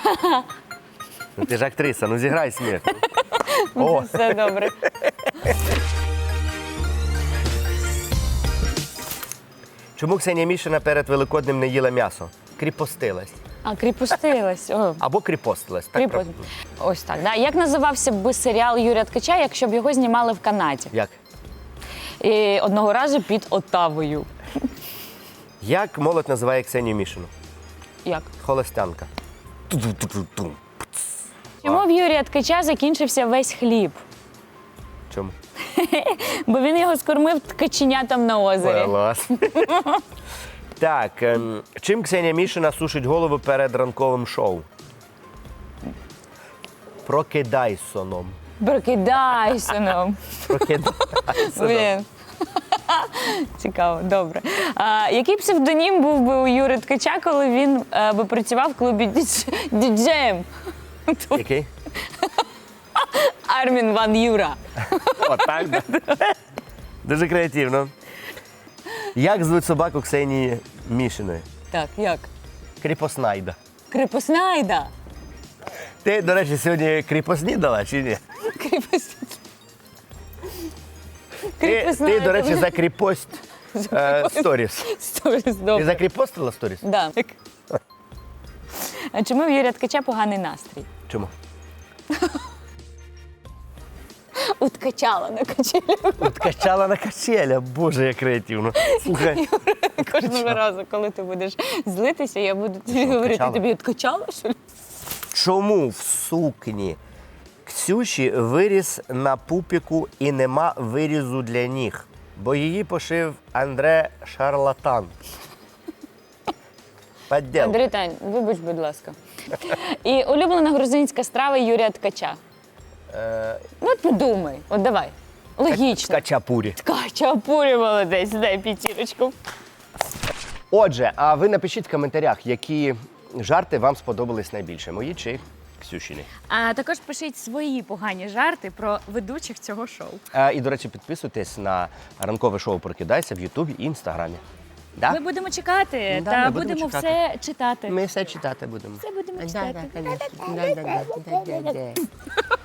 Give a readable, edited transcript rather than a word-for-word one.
Ну, ти ж актриса, ну зіграй сміх. О, Все добре. чому Ксенія Мішина перед Великоднем не їла м'ясо? Кріпостилась. А, кріпостилась. О, Або кріпостилась. Так, кріпост. Ось так. Да. Як називався б серіал Юрія Ткача, якщо б його знімали в Канаді? Як? І одного разу під Оттавою. Як молодь називає Ксенію Мішину? Як? Холостянка. Ту-ту-ту-ту-ту. Чому в Юрія Ткача закінчився весь хліб? Чому? Бо він його скормив ткаченятам на озері. Клас. Так, чим Ксенія Мішина сушить голову перед ранковим шоу? Прокидайсоном. Прокидайся нам. Прокидайсоном. Блін. Цікаво, добре. Який псевдонім був би у Юри Ткача, коли він би працював в клубі діджеєм? Який? Армін Ван Юра. Отак, да? Дуже креативно. Як звуть собаку Ксенії Мішиної? Так, як? Кріпоснайда. Кріпоснайда. Ти, до речі, сьогодні кріпоснідала чи ні? Ти, до речі, за кріпость сторіс. Сторіс, Ти добре. закріпостила сторіс? Да. А чому в Юрія Ткача поганий настрій? Чому? Уткачала на качелях. Откачала на качеля. Боже, як креативно. Слухай, Кожного разу, коли ти будеш злитися, я буду тобі Що, говорити, качала? тобі откачала, що ли? чому в сукні Ксюші виріс на пупіку і нема вирізу для ніг? Бо її пошив Андре Шарлатан. Поддел. Андрій Тань, вибач, будь ласка. І улюблена грузинська страва Юрія Ткача. Ну, от подумай, от давай. Логічно. Качапурі. Ткачапурі, молодець, дай п'ятірочку. Отже, а ви напишіть в коментарях, які жарти вам сподобались найбільше. Мої чи Ксюшіни. А також пишіть свої погані жарти про ведучих цього шоу. І, до речі, підписуйтесь на ранкове шоу «Прокидайся» в Ютубі і Інстаграмі. Да? Ми будемо чекати Да, та ми будемо будемо чекати. все читати. Ми все читати будемо. Все будемо Да, читати. да, конечно. Да, да, да, да, да, да.